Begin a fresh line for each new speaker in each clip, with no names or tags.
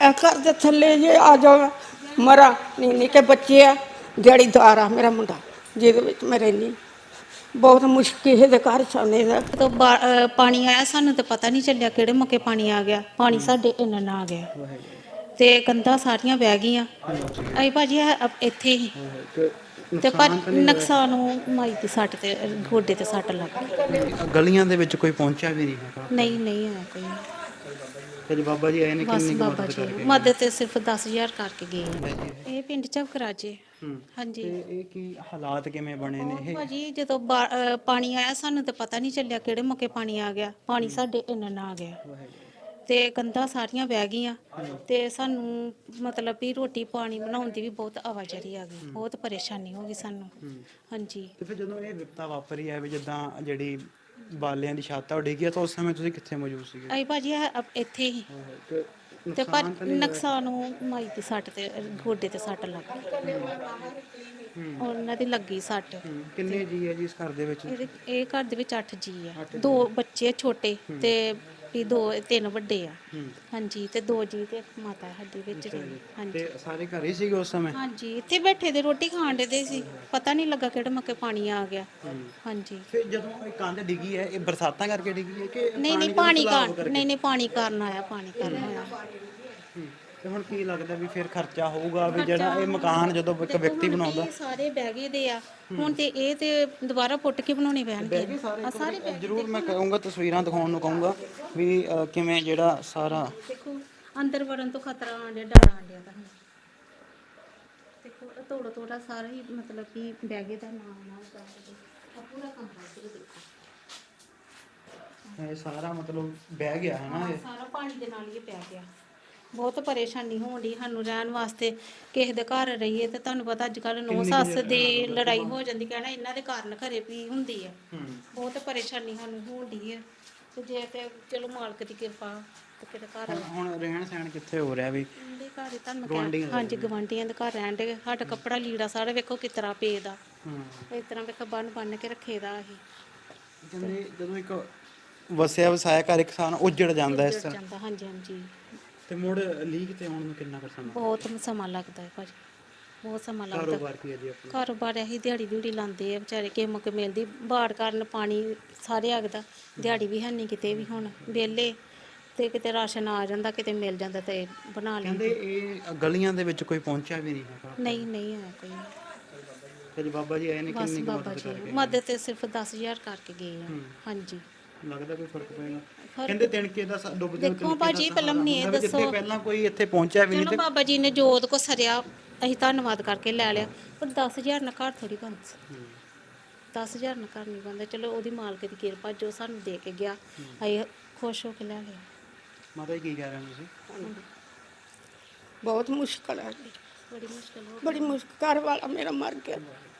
ਇਹ ਘਰ ਦੇ ਥੱਲੇ ਜੇ ਆ ਜਾਓ ਮਰਾ ਨਹੀਂ ਨਿੱਕੇ ਬੱਚੇ ਆ ਦਿਹਾੜੀਦਾਰ ਆ ਮੇਰਾ ਮੁੰਡਾ ਜਿਹਦੇ ਵਿੱਚ ਮੈਂ ਰਹਿੰਦੀ ਬਹੁਤ ਮੁਸ਼ਕਿਲ ਕਿਸੇ ਦੇ ਘਰ ਸਾਹਮਣੇ ਦਾ
ਜਦੋਂ ਪਾਣੀ ਆਇਆ ਸਾਨੂੰ ਤਾਂ ਪਤਾ ਨਹੀਂ ਚੱਲਿਆ ਕਿਹੜੇ ਮੌਕੇ ਪਾਣੀ ਆ ਗਿਆ। ਪਾਣੀ ਸਾਡੇ ਇੰਨਾ ਨਾ ਆ ਗਿਆ ਤੇ ਕੰਧਾਂ ਸਾਰੀਆਂ ਵਹਿ ਗਈਆਂ। ਅਸੀਂ ਭਾਜੀ ਇੱਥੇ ਹੀ ਤੇ ਪਰ ਨੁਕਸਾਨ ਮਾਈ ਦੀ ਸੱਟ ਤੇ ਗੋਡੇ ਤੇ ਸੱਟ ਲੱਗ ਗਈ।
ਗਲੀਆਂ ਦੇ ਵਿੱਚ ਕੋਈ ਪਹੁੰਚਿਆ ਵੀ ਨਹੀਂ ਹੈਗਾ।
ਨਹੀਂ ਆਇਆ ਕੋਈ।
ਫਿਰ ਬਾਬਾ ਜੀ ਆਏ ਨੇ
ਬਸ
ਕਿੰਨੀ ਕੁ
ਬਾਬਾ
ਮਦਦ
ਜੀ
ਕਰਕੇ
ਮਦਦ ਤੇ ਸਿਰਫ 10,000 ਕਰਕੇ ਗਏ ਆ। ਇਹ ਪਿੰਡ ਝਬਕਰਾਜੇ। ਹਾਂਜੀ।
ਤੇ ਇਹ ਕੀ ਹਾਲਾਤ ਕਿਵੇਂ ਬਣੇ ਨੇ ਇਹ?
ਭਾਜੀ ਜਦੋਂ ਪਾਣੀ ਆਇਆ ਸਾਨੂੰ ਤਾਂ ਪਤਾ ਨਹੀਂ ਚੱਲਿਆ ਕਿਹੜੇ ਮੌਕੇ ਪਾਣੀ ਆ ਗਿਆ। ਪਾਣੀ ਸਾਡੇ ਇੰਨਾ ਨਾ ਆ ਗਿਆ ਤੇ ਕੰਧਾਂ ਸਾਰੀਆਂ ਵਹਿ ਗਈਆਂ ਤੇ ਸਾਨੂੰ ਮਤਲਬ ਵੀ ਰੋਟੀ ਪਾਣੀ ਬਣਾਉਣ ਦੀ ਵੀ ਬਹੁਤ ਆਵਾਜਾਈ ਆ ਗਈ। ਬਹੁਤ ਪਰੇਸ਼ਾਨੀ ਹੋ ਗਈ ਸਾਨੂੰ। ਹਾਂਜੀ।
ਤੇ ਫਿਰ ਜਦੋਂ ਇਹ ਵਿਪਤਾ ਵਾਪਰੀ ਹੈ ਵੀ ਜਿੱਦਾਂ ਜਿਹੜੀ ਬਾਲਿਆਂ ਦੀ ਛੱਤ ਆ ਉਹ ਡਿੱਗੀ ਆ ਤਾਂ ਉਸ ਸਮੇਂ ਤੁਸੀਂ ਕਿੱਥੇ ਮੌਜੂਦ ਸੀਗੇ?
ਅਸੀਂ ਭਾਜੀ ਇੱਥੇ ਹੀ ਤੇ ਪਰ ਨੁਕਸਾਨ ਮਾਈ ਦੀ ਸੱਟ ਤੇ ਗੋਡੇ ਤੇ ਸੱਟ ਲੱਗ ਗਈ। ਉਹਨਾਂ ਦੀ ਲੱਗੀ ਸੱਟ।
ਕਿੰਨੇ ਜੀ ਹੈ ਜੀ ਇਸ ਘਰ ਦੇ ਵਿੱਚ?
ਇਹ ਘਰ ਦੇ ਵਿੱਚ 8 ਜੀ ਆ। 2 ਬੱਚੇ ਛੋਟੇ ਤੇ ਵੀ 3 ਵੱਡੇ ਆ। ਹਾਂਜੀ ਤੇ 2 ਜੀ ਤੇ ਮਾਤਾ ਸਾਡੀ ਵਿੱਚ ਰਹੀ। ਹਾਂਜੀ
ਤੇ ਸਾਰੇ ਘਰ ਹੀ ਸੀਗੇ ਉਸ ਸਮੇਂ?
ਹਾਂਜੀ ਇੱਥੇ ਬੈਠੇ ਦੇ ਰੋਟੀ ਖਾਣ ਦੇ ਸੀ। ਪਤਾ ਨਹੀਂ ਲੱਗਾ ਕਿਹੜੇ ਮੌਕੇ ਪਾਣੀ ਆ ਗਿਆ। ਹਾਂਜੀ।
ਫਿਰ ਜਦੋਂ ਇਹ ਕੰਧ ਡਿੱਗੀ ਹੈ ਇਹ ਬਰਸਾਤਾਂ ਕਰਕੇ ਡਿੱਗੀ ਹੈ ਕਿ
ਨਹੀਂ ਪਾਣੀ ਕਾਰਨ ਨਹੀਂ ਪਾਣੀ ਕਾਰਨ ਆਇਆ। ਪਾਣੀ ਕਾਰਨ ਆਇਆ।
ਤੇ ਹੁਣ ਕੀ ਲੱਗਦਾ ਵੀ ਫਿਰ ਖਰਚਾ ਹੋਊਗਾ ਵੀ ਜਿਹੜਾ ਇਹ ਮਕਾਨ ਜਦੋਂ ਇੱਕ ਵਿਅਕਤੀ ਬਣਾਉਂਦਾ?
ਸਾਰੇ ਬਹਿ ਗਏ ਦੇ ਆ ਹੁਣ ਤੇ ਇਹ ਤੇ ਦੁਬਾਰਾ ਪੁੱਟ ਕੇ ਬਣਾਉਣੇ ਪੈਣਗੇ। ਸਾਰੇ
ਜ਼ਰੂਰ ਮੈਂ ਕਹੂੰਗਾ ਤਸਵੀਰਾਂ ਦਿਖਾਉਣ ਨੂੰ ਕਹੂੰਗਾ ਵੀ ਕਿਵੇਂ ਜਿਹੜਾ ਸਾਰਾ
ਦੇਖੋ ਅੰਦਰ ਵੜਨ ਤੋਂ ਖਤਰਾ ਆਂਡਿਆ ਡਰ ਆਂਡਿਆ ਤਾਂ ਦੇਖੋ ਤੋੜਾ ਸਾਰਾ ਹੀ ਮਤਲਬ ਕਿ ਬਹਿ ਗਏ ਦਾ ਨਾਮ ਕਰਦੇ ਆ ਪੂਰਾ ਕੰਮ ਕਰਦੇ ਦੇਖੋ
ਇਹ ਸਾਰਾ ਮਤਲਬ ਬਹਿ ਗਿਆ ਹੈ ਨਾ? ਇਹ
ਸਾਰਾ ਪਾਣੀ ਦੇ ਨਾਲ ਹੀ ਪੈ ਗਿਆ। ਬਹੁਤ ਪਰੇਸ਼ਾਨੀ ਹੋਣ ਦੀ ਸਾਨੂੰ ਰਹਿਣ ਵਾਸਤੇ। ਕਿਸੇ ਦੇ ਘਰ ਰਹੀਏ ਤੇ ਤੁਹਾਨੂੰ ਪਤਾ ਅੱਜ ਕੱਲ ਨੌ ਸੱਸ ਦੀ ਲੜਾਈ ਹੋ ਜਾਂਦੀ। ਕਹਿਣਾ ਇਹਨਾਂ ਦੇ ਕਾਰਨ ਘਰੇ ਵੀ ਹੁੰਦੀ ਹੈ। ਬਹੁਤ ਪਰੇਸ਼ਾਨੀ ਸਾਨੂੰ ਹੋਣ ਦੀ ਹੈ ਤੇ ਜੇ ਤੇ ਚਲੋ ਮਾਲਕ ਦੀ ਕਿਰਪਾ ਤੇ ਕਿਤੇ ਘਰ
ਹੁਣ ਰਹਿਣ ਸਹਿਣ ਕਿੱਥੇ ਹੋ ਰਿਹਾ ਵੀ?
ਦੇ ਘਰ ਹੀ ਤੁਹਾਨੂੰ ਹਾਂਜੀ ਗਵਾਂਢੀਆਂ ਦੇ ਘਰ ਰਹਿਣ ਦੇ। ਸਾਡਾ ਕੱਪੜਾ ਲੀੜਾ ਸਾਰਾ ਵੇਖੋ ਕਿਸ ਤਰ੍ਹਾਂ ਪਏ ਦਾ। ਇਸ ਤਰ੍ਹਾਂ ਵੇਖੋ ਬੰਨ ਕੇ ਰੱਖੇ ਦਾ ਅਸੀਂ।
ਕਹਿੰਦੇ ਜਦੋਂ ਇੱਕ ਵਸਿਆ ਵਸਾਇਆ ਘਰ ਇੱਕ ਸਾਨ ਉੱਜੜ ਜਾਂਦਾ ਇਸ ਤਰ੍ਹਾਂ।
ਹਾਂਜੀ।
ਤੇ ਮੁੜ ਲੀਕ ਤੇ ਆਉਣ ਨੂੰ ਕਿੰਨਾ ਕੁ ਸਮਾਂ?
ਬਹੁਤ ਸਮਾਂ ਲੱਗਦਾ ਹੈ ਭਾਜੀ। ਬਹੁਤ ਸਮਾਂ ਲੱਗਦਾ।
ਕਾਰੋਬਾਰ ਕੀ ਹੈ ਜੀ ਆਪਣਾ?
ਕਾਰੋਬਾਰ ਇਹੀ ਦਿਹਾੜੀ ਲਾਉਂਦੇ ਆ ਵਿਚਾਰੇ। ਕਿਸੇ ਮੌਕੇ ਮਿਲਦੀ ਬਾੜ ਕਾਰਨ ਪਾਣੀ ਸਾਰੇ agਦਾ ਦਿਹਾੜੀ ਵੀ ਹੈ ਨਹੀਂ ਕਿਤੇ ਵੀ। ਹੁਣ ਵਿਹਲੇ ਤੇ ਕਿਤੇ ਰਾਸ਼ਨ ਆ ਜਾਂਦਾ ਕਿਤੇ ਮਿਲ ਜਾਂਦਾ ਤੇ ਬਣਾ ਲੈਂਦੇ।
ਕਹਿੰਦੇ ਇਹ ਗਲੀਆਂ ਦੇ ਵਿੱਚ ਕੋਈ ਪਹੁੰਚਿਆ ਵੀ ਨਹੀਂ ਹੈਗਾ।
ਨਹੀਂ ਆਇਆ ਕੋਈ।
ਫਿਰ ਬਾਬਾ ਜੀ ਆਏ ਨੇ
ਬਸ
ਕਿੰਨੀ ਕੁ
ਬਾਬਾ
ਮਦਦ
ਜੀ
ਕਰਕੇ?
ਮਦਦ ਤੇ ਸਿਰਫ 10,000 ਕਰਕੇ ਗਏ ਆ। ਹਾਂਜੀ।
ਲੱਗਦਾ ਕੋਈ ਫਰਕ ਪਏਗਾ? ਕਹਿੰਦੇ ਤਿਣਕੇ ਦਾ ਡੁੱਬਦੇ
ਦੇਖੋ ਭਾਜੀ ਪਹਿਲਾਂ ਮੈਨੂੰ ਇਹ ਦੱਸੋ।
ਜਿੱਥੇ ਪਹਿਲਾਂ ਕੋਈ ਇੱਥੇ ਪਹੁੰਚਿਆ ਵੀ ਨਹੀਂ
ਚਲੋ ਬਾਬਾ ਜੀ ਨੇ ਜੋਤ ਕੋ ਸਰਿਆ ਅਸੀਂ ਧੰਨਵਾਦ ਕਰਕੇ ਲੈ ਲਿਆ। ਪਰ 10,000 ਨਾਲ ਘਰ ਥੋੜੀ ਬਣਦਾ। 10,000 ਨਾਲ ਘਰ ਨਹੀਂ ਬਣਦਾ। ਚਲੋ ਉਹਦੀ ਮਾਲਕ ਦੀ ਕਿਰਪਾ ਜੋ ਸਾਨੂੰ ਦੇ ਕੇ ਗਿਆ ਅਸੀਂ ਖੁਸ਼ ਹੋ ਕੇ ਲੈ ਲਿਆ।
ਮਾਤਾ ਜੀ ਕੀ ਕਹਿ ਰਹੇ ਹੋ ਤੁਸੀਂ?
ਬਹੁਤ ਮੁਸ਼ਕਲ ਹੈ ਜੀ।
ਬੜੀ ਮੁਸ਼ਕਲ ਹੋ
ਬੜੀ ਮੁਸ਼ਕਲ। ਘਰ ਵਾਲਾ ਮੇਰਾ ਮਰ ਗਿਆ।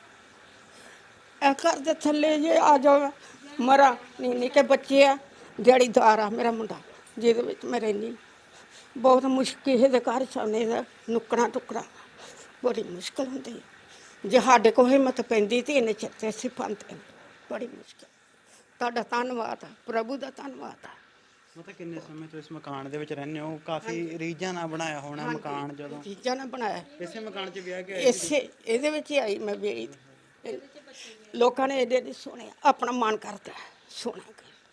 ਇਹ ਘਰ ਦੇ ਥੱਲੇ ਜੇ ਆ ਜਾਓ ਮਰਾ ਨਹੀਂ ਨਿੱਕੇ ਬੱਚੇ ਆ ਦਿਹਾੜੀਦਾਰ ਆ ਮੇਰਾ ਮੁੰਡਾ ਜਿਹਦੇ ਵਿੱਚ ਮੈਂ ਰਹਿੰਦੀ ਬਹੁਤ ਮੁਸ਼ਕਿਲ ਕਿਸੇ ਦੇ ਘਰ ਸਾਹਮਣੇ ਦਾ ਨੁੱਕਣਾ ਟੁਕੜਾ ਬੜੀ ਮੁਸ਼ਕਲ ਹੁੰਦੀ ਹੈ। ਜੇ ਸਾਡੇ ਕੋਲ ਹਿੰਮਤ ਪੈਂਦੀ ਤੇ ਇਹਨੇ ਚਿੱਤੇ ਸੀ ਪਾਉਂਦੇ ਬੜੀ ਮੁਸ਼ਕਲ। ਤੁਹਾਡਾ ਧੰਨਵਾਦ ਆ ਪ੍ਰਭੂ ਦਾ ਧੰਨਵਾਦ ਆ।
ਮਤਲਬ ਕਿੰਨੇ ਸਮੇਂ ਤੋਂ ਇਸ ਮਕਾਨ ਦੇ ਵਿੱਚ ਰਹਿੰਦੇ ਹੋ? ਕਾਫੀ ਰੀਝਾਂ ਨਾਲ ਬਣਾਇਆ ਹੋਣਾ ਮਕਾਨ। ਜਦੋਂ
ਚੀਜ਼ਾਂ ਨਾਲ ਬਣਾਇਆ
ਇਸੇ ਮਕਾਨ 'ਚ ਵਿਆਹ ਕੇ
ਇਹਦੇ ਵਿੱਚ ਹੀ ਆਈ ਮੈਂ ਵੇਰੀ। ਲੋਕਾਂ ਨੇ ਇਹਦੇ ਦੀ ਸੁਣਿਆ ਆਪਣਾ ਮਨ ਕਰਦਾ ਸੋਹਣਾ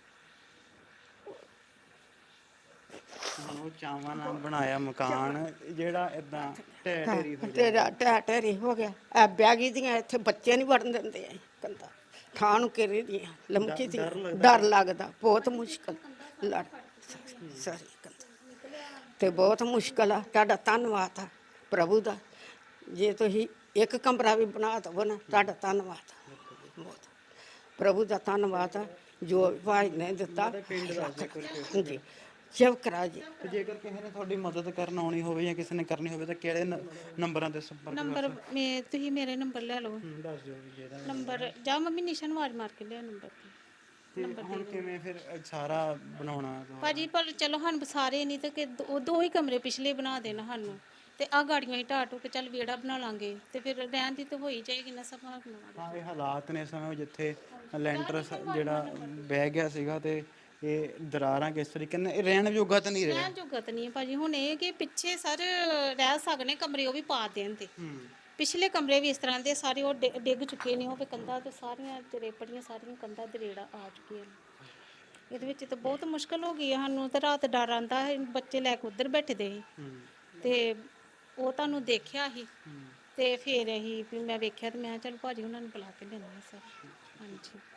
ਉਹ ਚਾਵਾਂ ਨਾਲ ਬਣਾਇਆ ਮਕਾਨ ਜਿਹੜਾ ਇਦਾਂ
ਤੇਰਾ ਢਹਿ ਹੋ ਗਿਆ। ਐ ਬੈਗੀ ਦੀਆਂ ਇੱਥੇ ਬੱਚੇ ਨਹੀਂ ਵੜਨ ਦਿੰਦੇ ਐ ਕੰਦਾ ਥਾਂ ਨੂੰ ਘੇਰੇ ਦੀਆਂ ਲੰਮਕੀ ਦੀਆਂ ਡਰ ਲੱਗਦਾ। ਬਹੁਤ ਮੁਸ਼ਕਲ ਲੜ ਸਾਰੀ ਕੰਦਾ ਤੇ ਬਹੁਤ ਮੁਸ਼ਕਲ ਆ। ਤੁਹਾਡਾ ਧੰਨਵਾਦ ਆ ਪ੍ਰਭੂ ਦਾ। ਜੇ ਤੁਸੀਂ ਇੱਕ ਕਮਰਾ ਵੀ ਬਣਾ ਦਵੋ ਨਾ ਤੁਹਾਡਾ ਧੰਨਵਾਦ ਆ। ਬਹੁਤ ਪ੍ਰਭੂ ਦਾ ਧੰਨਵਾਦ ਆ ਜੋ ਭਾਈ ਨੇ ਦਿੱਤਾ। ਹਾਂਜੀ ਝਬਕਰਾ ਜੀ।
ਤੇ ਜੇਕਰ ਕਿਸੇ ਨੇ ਤੁਹਾਡੀ ਮਦਦ ਕਰਨ ਆਉਣੀ ਹੋਵੇ ਜਾਂ ਕਿਸੇ ਨੇ ਕਰਨੀ ਹੋਵੇ ਤਾਂ ਕਿਹੜੇ ਨੰਬਰਾਂ ਤੇ ਸੰਪਰਕ?
ਨੰਬਰ ਤੁਸੀਂ ਮੇਰੇ ਨੰਬਰ ਲੈ ਲਓ।
ਦੱਸ ਦਿਓ ਵੀ ਜਿਹੜਾ
ਨੰਬਰ ਜਾ ਮੰਮੀ ਨਿਸ਼ਨ ਆਵਾਜ਼ ਮਾਰ ਕੇ ਲਿਆ ਨੰਬਰ
ਤੇ ਹੁਣ ਕਿਵੇਂ ਫਿਰ ਸਾਰਾ ਬਣਾਉਣਾ?
ਭਾਜੀ ਪਰ ਚਲੋ ਸਾਨੂੰ ਸਾਰੇ ਨਹੀਂ ਤੇ ਕਿ 2 ਹੀ ਕਮਰੇ ਪਿਛਲੇ ਬਣਾ ਦੇਣ ਸਾਨੂੰ ਤੇ ਆ ਗਾੜੀਆਂ ਹੀ ਢਾਟੂ ਕੇ ਚੱਲ ਵਿਹੜਾ ਬਣਾ ਲਾਂਗੇ ਤੇ ਫਿਰ ਰਹਿਣ ਦੀ ਤਾਂ ਹੋਈ ਜਾਏਗੀ ਨਾ ਸੰਭਾਲਣਾ।
ਹਾਂ ਇਹ ਹਾਲਾਤ ਨੇ ਇਸ ਸਮੇਂ ਜਿੱਥੇ ਲੈਂਟਰ ਜਿਹੜਾ ਬਹਿ ਗਿਆ ਸੀਗਾ ਤੇ ਇਹ ਦਰਾਰਾਂ ਕਿਸ ਤਰੀਕੇ ਨਾਲ ਇਹ ਰਹਿਣ ਯੋਗਾ ਤਾਂ ਨਹੀਂ ਰਿਹਾ।
ਰਹਿਣ ਜੋਗਤ ਨਹੀਂ ਹੈ ਭਾਜੀ। ਹੁਣ ਇਹ ਕਿ ਪਿੱਛੇ ਸਰ ਰਹਿ ਸਕਨੇ ਕਮਰੇ, ਉਹ ਵੀ ਪਾ ਦੇਣ ਤੇ ਪਿਛਲੇ ਕਮਰੇ ਵੀ ਇਸ ਤਰ੍ਹਾਂ ਦੇ ਸਾਰੇ ਉਹ ਡਿੱਗ ਚੁੱਕੇ ਨੇ, ਉਹ ਵੀ ਕੰਧਾਂ ਤੇ ਸਾਰੀਆਂ ਰੇਪੜੀਆਂ, ਸਾਰੀਆਂ ਕੰਧਾਂ ਦਰੇੜਾ ਆ ਚੁੱਕੀਆਂ ਨੇ। ਇਹਦੇ ਵਿੱਚ ਤਾਂ ਬਹੁਤ ਮੁਸ਼ਕਲ ਹੋ ਗਈ ਹੈ ਸਾਨੂੰ। ਤੇ ਰਾਤ ਡਰ ਆਉਂਦਾ ਹੈ, ਬੱਚੇ ਲੈ ਕੇ ਉੱਧਰ ਬੈਠਦੇ ਸੀ ਤੇ ਉਹ ਤੁਹਾਨੂੰ ਦੇਖਿਆ ਸੀ ਤੇ ਫਿਰ ਅਸੀਂ ਵੀ ਮੈਂ ਵੇਖਿਆ ਤੇ ਮੈਂ ਕਿਹਾ ਚਲ ਭਾਜੀ ਉਹਨਾਂ ਨੂੰ ਬੁਲਾ ਕੇ ਲੈਂਦੇ ਹਾਂ ਸਰ। ਹਾਂਜੀ।